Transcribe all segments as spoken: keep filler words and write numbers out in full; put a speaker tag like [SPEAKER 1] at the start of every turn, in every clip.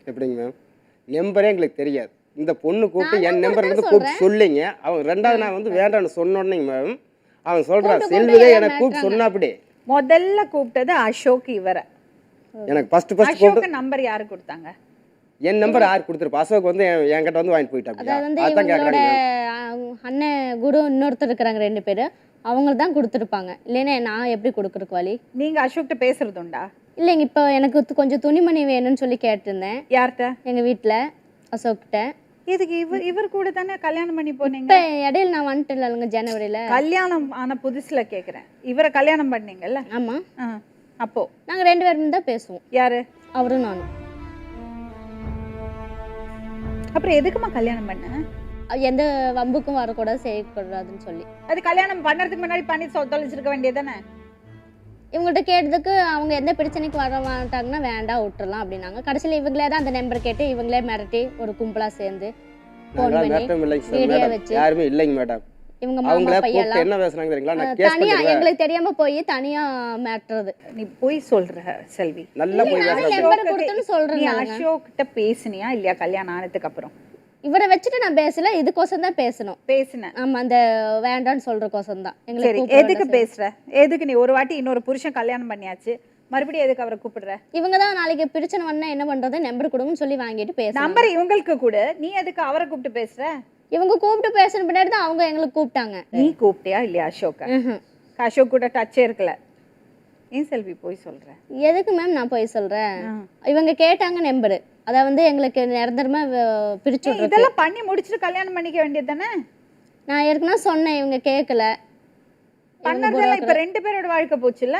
[SPEAKER 1] எப்படிங்க மேம்? நம்பரே எங்களுக்கு தெரியாது. இந்த பொண்ணு கூப்பிட்டு
[SPEAKER 2] நான்
[SPEAKER 1] என்
[SPEAKER 2] தான்
[SPEAKER 1] நம்பர் வந்து
[SPEAKER 2] கொடுத்தேன்னு
[SPEAKER 1] கூப்பிட்டு
[SPEAKER 2] சொல்றேன்.
[SPEAKER 1] சொல்லிங்க. அவன் ரெண்டாவது நான் வந்து வேண்டான்னு சொன்னோன்னேங்க மேம், அவன் சொல்றான்
[SPEAKER 2] கூப்பிட்டு
[SPEAKER 1] செல்வி
[SPEAKER 2] கூப்பிட்டு
[SPEAKER 1] தான்
[SPEAKER 2] எல்லாம்
[SPEAKER 1] எனக்கு கூப்பிட்டு
[SPEAKER 2] மிரட்டுறாங்க.
[SPEAKER 1] சொன்னாப்படி.
[SPEAKER 3] முதல்ல கூப்பிட்டது அசோக் இவரை.
[SPEAKER 1] எனக்கு ஃபர்ஸ்ட் ஃபர்ஸ்ட்
[SPEAKER 3] அசோக்
[SPEAKER 1] கூப்பிட்டு
[SPEAKER 3] நம்பர் யாரு கொடுத்தாங்க?
[SPEAKER 1] என் நம்பர் யார் கொடுத்துருப்பா? அசோக் வந்து என் என்கிட்ட வந்து வாங்கிட்டு போயிட்டாப்பியா?
[SPEAKER 2] அதாவது வந்து
[SPEAKER 1] அதான்
[SPEAKER 2] இவங்களோட
[SPEAKER 1] கேட்குறாங்க மேம்.
[SPEAKER 2] அஹ், அண்ணன் குரு இன்னொருத்தர் இருக்கிறாங்க ரெண்டு பேர், அவங்க தான் கொடுத்துருப்பாங்க. இல்லைன்னா நான் எப்படி கொடுக்குறக்கு வழி?
[SPEAKER 3] நீங்க அசோக்கிட்ட பேசுறது உண்டா?
[SPEAKER 2] இல்லைங்க, இப்போ எனக்கு து- கொஞ்சம் துணிமணி வேணும்னு சொல்லி கேட்டிருந்தேன்
[SPEAKER 3] யார்கிட்ட?
[SPEAKER 2] எங்கள் வீட்டில் அசோக்கிட்ட.
[SPEAKER 3] இதுக்கு இவர் இவர் கூட தானே கல்யாணம் பண்ணி போனீங்க.
[SPEAKER 2] இப்போ இடையில நான் வந்துட்டு இல்லைங்க ஜனவரியில்.
[SPEAKER 3] கல்யாணம் ஆன புதுசுல கேக்குறேன். இவரை கல்யாணம் பண்ணீங்கல்ல?
[SPEAKER 2] ஆமாம்,
[SPEAKER 3] ஆ, அப்போ
[SPEAKER 2] நாங்கள் ரெண்டு பேரும் தான் பேசுவோம்,
[SPEAKER 3] யாரு?
[SPEAKER 2] அவரும் நானும்.
[SPEAKER 3] அப்புறம் எதுக்குமா கல்யாணம் பண்ண?
[SPEAKER 2] அஹ் எந்த வம்புக்கும் வரக்கூடாது, செய்யக்கூடாதுன்னு சொல்லி.
[SPEAKER 3] அது கல்யாணம் பண்ணறதுக்கு முன்னாடி பண்ணி சொ- தொலைச்சிருக்க வேண்டியதானே?
[SPEAKER 2] இவங்கள்ட்ட கேட்டதுக்கு அவங்க எந்த பிரச்சனைக்கு வர மாட்டாங்கன்னா வேண்டாம் விட்டுறலாம் அப்படின்னாங்க. கடைசியில் இவங்களே தான் அந்த நம்பர் கேட்டு இவங்களே மிரட்டி ஒரு கும்பலாக சேர்ந்து ஃபோன்
[SPEAKER 1] நாங்களாம்
[SPEAKER 2] பண்ணி
[SPEAKER 1] மேட்டம் இல்லைங்க சார்
[SPEAKER 2] வீடியோ
[SPEAKER 1] மேடம்.
[SPEAKER 2] வச்சு
[SPEAKER 1] யாருமே இல்லைங்க மேடம்.
[SPEAKER 2] இவங்க மாமா
[SPEAKER 1] அவங்களே கூப்பிட்டு
[SPEAKER 2] பையெல்லாம்
[SPEAKER 1] என்ன பேசுனாங்க தெரியுங்களா? நான்
[SPEAKER 2] அஹ்,
[SPEAKER 1] கேஸ்
[SPEAKER 2] தனியா
[SPEAKER 1] பண்ணிடுவேன்.
[SPEAKER 2] எங்களுக்கு தெரியாம போய் தனியா மாட்டுறது.
[SPEAKER 3] நீ போய் சொல்ற செல்வி.
[SPEAKER 1] நல்லா போய்
[SPEAKER 2] நானே
[SPEAKER 1] பேசுறாங்க.
[SPEAKER 2] நம்பர் கொடுத்துன்னு
[SPEAKER 3] நீ
[SPEAKER 2] சொல்றேன்.
[SPEAKER 3] அசோக் கிட்ட பேசுனியா இல்லையா கல்யாணம் ஆனதுக்கு அப்புறம்?
[SPEAKER 2] இவரை வச்சுட்டு நான் பேசல, இதுக்கோசம் தான் பேசணும்.
[SPEAKER 3] பேசுன.
[SPEAKER 2] ஆமா, அந்த வேண்டான்னு சொல்றக்கோசம் தான்
[SPEAKER 3] சரி,
[SPEAKER 2] எங்களுக்கு கூப்பிட
[SPEAKER 3] எதுக்கு
[SPEAKER 2] வேண்டாம்
[SPEAKER 3] பேசுற? எதுக்கு நீ ஒரு வாட்டி இன்னொரு புருஷன் கல்யாணம் பண்ணியாச்சு, மறுபடியும் எதுக்கு அவரை கூப்பிடுற?
[SPEAKER 2] செய்ய. இவங்க தான் நாளைக்கு பிரச்சனை பண்ணா என்ன பண்றது, நம்பர் கொடுங்கன்னு சொல்லி வாங்கிட்டு பேசணும்.
[SPEAKER 3] நம்பர் இவங்களுக்கு கூட, நீ எதுக்கு அவரை கூப்பிட்டு பேசுற?
[SPEAKER 2] இவங்க கூப்பிட்டு பேசுன பின்னாடி தான் அவங்க எங்களுக்கு கூப்பிட்டாங்க.
[SPEAKER 3] நீ கூப்பிட்டியா இல்லையா அசோக்க?
[SPEAKER 2] ம்ஹும்.
[SPEAKER 3] அசோக் கூட டச்சே இருக்கல. ஏன் செல்வி போய் சொல்ற?
[SPEAKER 2] எதுக்கு மேம் நான் போய் சொல்றேன்?
[SPEAKER 3] ஆ.
[SPEAKER 2] இவங்க கேட்டாங்க நம்பரு, அத வந்து எங்களுக்கு நிரந்தரமா வ- பிரிச்சு
[SPEAKER 3] ஏய்,
[SPEAKER 2] விடுறது.
[SPEAKER 3] இதெல்லாம் பண்ணி முடிச்சிட்டு கல்யாணம் பண்ணிக்க வேண்டியது தானே?
[SPEAKER 2] நான் ஏற்கனவே சொன்னேன், இவங்க கேட்கல.
[SPEAKER 3] பண்ணறதெல்லாம் இப்ப ரெண்டு பேரோட வாழ்க்கை போச்சுல்ல.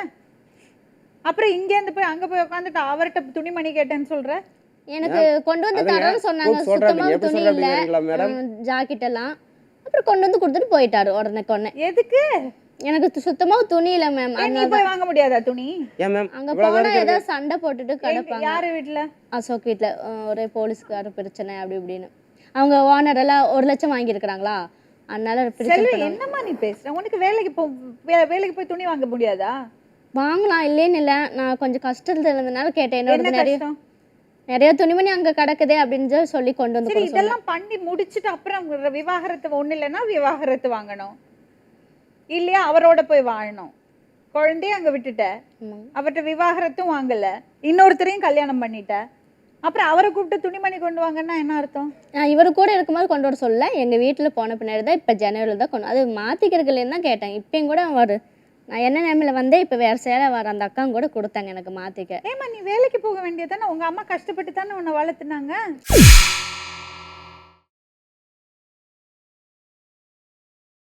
[SPEAKER 3] அப்புறம் இங்க இருந்து போய் அங்க போய் உட்காந்துட்டு அவர்கிட்ட துணிமணி கேட்டேன்னு சொல்ற?
[SPEAKER 2] எனக்கு கொண்டு வந்து
[SPEAKER 1] அதுங்க,
[SPEAKER 2] தரேன்னு சொன்னாங்க.
[SPEAKER 1] கூப்பிட்டு சொல்றாங்க.
[SPEAKER 2] சுத்தமா
[SPEAKER 1] எப்படி
[SPEAKER 2] துணி
[SPEAKER 1] சொல்றாங்க
[SPEAKER 2] இல்ல,
[SPEAKER 1] தெரியுங்களா மேடம்?
[SPEAKER 2] ஜாக்கெட் எல்லாம். அப்புறம் கொண்டு வந்து கொடுத்துட்டு போயிட்டாரு உடனே கொன்னே.
[SPEAKER 3] எதுக்கு?
[SPEAKER 2] எனக்கு து- சுத்தமா துணி இல்ல மேம்.
[SPEAKER 3] ஏன் நீ போய் வாங்க முடியாதா துணி?
[SPEAKER 1] ஏன் மேம்
[SPEAKER 2] அங்க
[SPEAKER 1] இவ்வளவு
[SPEAKER 2] போனா
[SPEAKER 1] தூரம்
[SPEAKER 2] ஏதாவது சண்டை போட்டுட்டு
[SPEAKER 3] எங்க-
[SPEAKER 2] கிடப்பாங்க.
[SPEAKER 3] யாரு வீட்டுல?
[SPEAKER 2] அசோக் வீட்ல அஹ், ஒரே போலீஸ்கார பிரச்சனை அப்படி இப்படின்னு. அவங்க ஓனர் எல்லாம் ஒரு லட்சம் வாங்கியிருக்கிறாங்களா, அதனால பிரச்சனை
[SPEAKER 3] செல்வி,
[SPEAKER 2] பண்ணாங்க.
[SPEAKER 3] என்னம்மா நீ பேசுற? உனக்கு வேலைக்கு போ வே- வேலைக்கு போய் துணி வாங்க முடியாதா?
[SPEAKER 2] வாங்கலாம், இல்லைன்னு இல்லை. நான் கொஞ்சம் கஷ்டத்துல இருந்ததுனால கேட்டேன்.
[SPEAKER 3] என்ன
[SPEAKER 2] என்னோட நிறைய
[SPEAKER 3] கஷ்டம்?
[SPEAKER 2] நிறைய துணிமணி அங்க கிடக்குதே அப்படின்னு சொல்லி கொண்டு வந்து
[SPEAKER 3] சரி,
[SPEAKER 2] கொடுக்க சொன்னேன்.
[SPEAKER 3] இதெல்லாம் பண்ணி முடிச்சிட்டு அப்புறம் விவாகரத்து ஒண்ணு இல்லைன்னா விவாகரத்து வாங்கணும் இல்லையா? அவரோட போய் வாழணும். குழந்தைய அங்க விட்டுட்ட,
[SPEAKER 2] ஆமாங்க.
[SPEAKER 3] அவர்கிட்ட விவாகரத்தும் வாங்கல, இன்னொருத்தரையும் கல்யாணம் பண்ணிட்ட, அப்புறம் அவரை கூப்பிட்டு துணிமணி கொண்டு வாங்கன்னா என்ன அர்த்தம்?
[SPEAKER 2] நான் இவரு கூட இருக்கும்போது கொண்டு வர சொல்ல, எங்க வீட்டுல போன பின்னாடி தான் இப்ப ஜனவரியில் தான் கொண்டு அது மாத்திக்கிறதுலேன்னு தான் கேட்டேன். இப்பயும் கூட அவர் நான் என்ன நேமில் வந்தேன், இப்போ வேறு சேலை வர அந்த அக்காங்க கூட கொடுத்தாங்க எனக்கு மாற்றிக்க.
[SPEAKER 3] ஏமா நீ வேலைக்கு போக வேண்டியதானே? உங்க அம்மா கஷ்டப்பட்டு தானே உன்னை வளர்த்துனாங்க.